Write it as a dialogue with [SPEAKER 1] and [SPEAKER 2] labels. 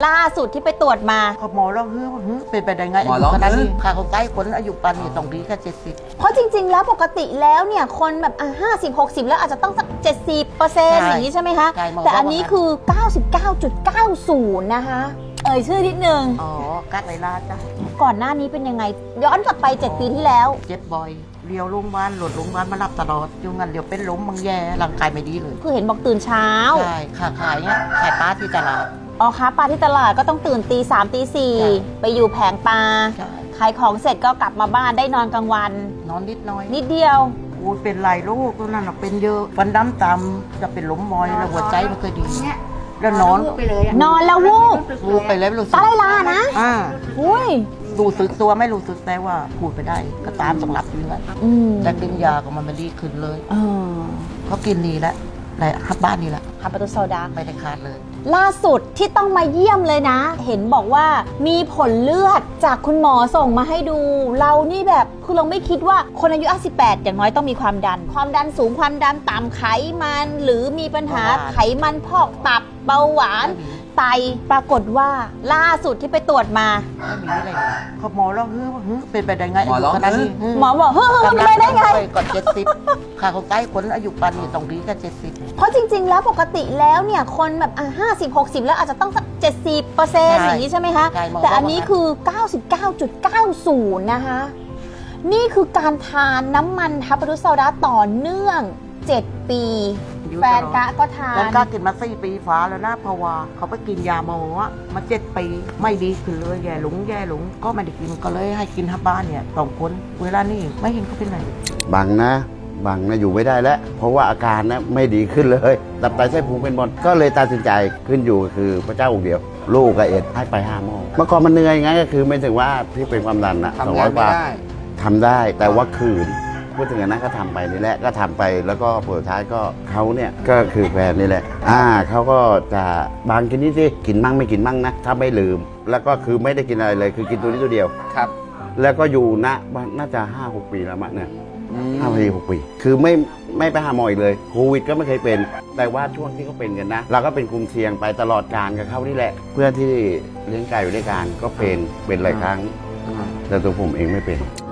[SPEAKER 1] ล่าสุดที่ไปตรวจมา
[SPEAKER 2] หมอเราเป็นไปได้ไงอายุขนาดนี้ค่าเขาใกล้คนอายุปันนี่ต้องดีแค่70
[SPEAKER 1] เพราะจริงๆแล้วปกติแล้วเนี่ยคนแบบ50-60แล้วอาจจะต้องสัก70%อย่างนี้ใช่ไหมคะแต่อันนี้คือ 99.90 นะคะชื่อนิดนึง
[SPEAKER 2] กัดไรลาจ้ะ
[SPEAKER 1] ก่อนหน้านี้เป็นยังไงย้อนกลับไป7 ปีที่แล้ว
[SPEAKER 2] เจ็บบ่อยเลี้ยวโรงพยาบาลหลดโรงพยาบาลมารับตลอดอยู่งั้นเดี๋ยวเป็นล้มบางแย่ร่างกายไม่ดีเลย
[SPEAKER 1] คือเห็นบอกตื่นเช้า
[SPEAKER 2] ใช่ขายเนี่ยขายปลาที่ตลาด
[SPEAKER 1] ค้าปลาที่ตลาดก็ต้องตื่นตี 3 ตี 4ไปอยู่แผงปลาขายของเสร็จก็กลับมาบ้านได้นอนกลางวัน
[SPEAKER 2] นอนนิดน้อย
[SPEAKER 1] นิดเดียว
[SPEAKER 2] เป็นหลายโรคตัวนั้นเป็นเยอะฟันดำตำจะเป็นล้มมอยแล้วหัวใจมันเคยดีแล้วนอน
[SPEAKER 1] ไปเลยนอนแล้ววู
[SPEAKER 2] บไปแล้วรู้สึก
[SPEAKER 1] ตาลานะอุ้ย
[SPEAKER 2] รู้สึกตัวไม่รู้สึกแต่ว่าพูดไปได้ก็ตามต้องรับอยู่แล้วแต่กินยาก็มันไม่ดีขึ้นเลยเขากินดีแล้วในฮับบ้านนี่แหละ
[SPEAKER 1] ฮับประตูโซดา
[SPEAKER 2] ไม่ได้ขาดเลย
[SPEAKER 1] ล่าสุดที่ต้องมาเยี่ยมเลยนะเห็นบอกว่ามีผลเลือดจากคุณหมอส่งมาให้ดูเรานี่แบบคือเราไม่คิดว่าคนอายุ58อย่างน้อยต้องมีความดันสูงความดันต่ำไขมันหรือมีปัญหาไขมันพอกตับเบาหวานไตปรากฏว่าล่าสุดที่ไปตรวจมา
[SPEAKER 2] ไม่มีอะไรเลยเขาหมอเราเป็นไปได้ไงอายุขนาดนี้
[SPEAKER 1] หมอบอกเป็นไปได้ไง
[SPEAKER 2] ก่อน70ค่าเขาใกล้คนอายุปันนี่ต้องดีแค่70
[SPEAKER 1] เพราะจริงๆแล้วปกติแล้วเนี่ยคนแบบ50-60แล้วอาจจะต้องสัก70%อย่างนี้ใช่ไหมคะแต่อันนี้คือ 99.90 นะคะนี่คือการทานน้ำมันทับปะรุโซดาต่อเนื่อง7 ปีแฟนกะก็ทาน
[SPEAKER 2] แฟนกะกินมา4 ปีฟ้าแล้วนะเพราะว่าเขาไปกินยาหมอมา7 ปีไม่ดีขึ้นเลยแย่หลงก็ไม่ได้กินก็เลยให้กินทับบ้านเนี่ย2 คนเวลานี้ไม่เห็นเขาเป็นไร
[SPEAKER 3] บังนะอยู่ไม่ได้แล้วเพราะว่าอาการนะไม่ดีขึ้นเลยตับไตไส้พุงเป็นบอลก็เลยตัดสินใจขึ้นอยู่คือพระเจ้าองค์เดียวลูกกับเอ็ดให้ไป5 หม้อเมื่อก่อนมันเหนื่อยไงก็คือไม่ถึงว่าที่เป็นความดันนะ200 บาททำได้แต่ว่าคืนพูดถึงนั้นก็ทำไปนี่แหละก็ทำไปแล้วก็ผลสุดท้ายก็เขาเนี่ยก็คือแฟนนี่แหละเขาก็จะบางกินนี่สิกินมั่งไม่กินมั่งนะถ้าไม่ลืมแล้วก็คือไม่ได้กินอะไรเลยคือกินตัวนี้ตัวเดียว
[SPEAKER 4] ครับ
[SPEAKER 3] แล้วก็อยู่น่าจะ5-6 ปีแล้วมั้งเนี่ย5-6 ปีคือไม่ไปหาหมออีกเลยโควิดก็ไม่เคยเป็นแต่ว่าช่วงที่เขาเป็นกันนะเราก็เป็นกลุ่มเสี่ยงไปตลอดการกับเขานี่แหละเพื่อนที่เลี้ยงไก่อยู่ด้วยกันก็เป็นหลายครั้งแต่ตัวผมเองไม่เป็น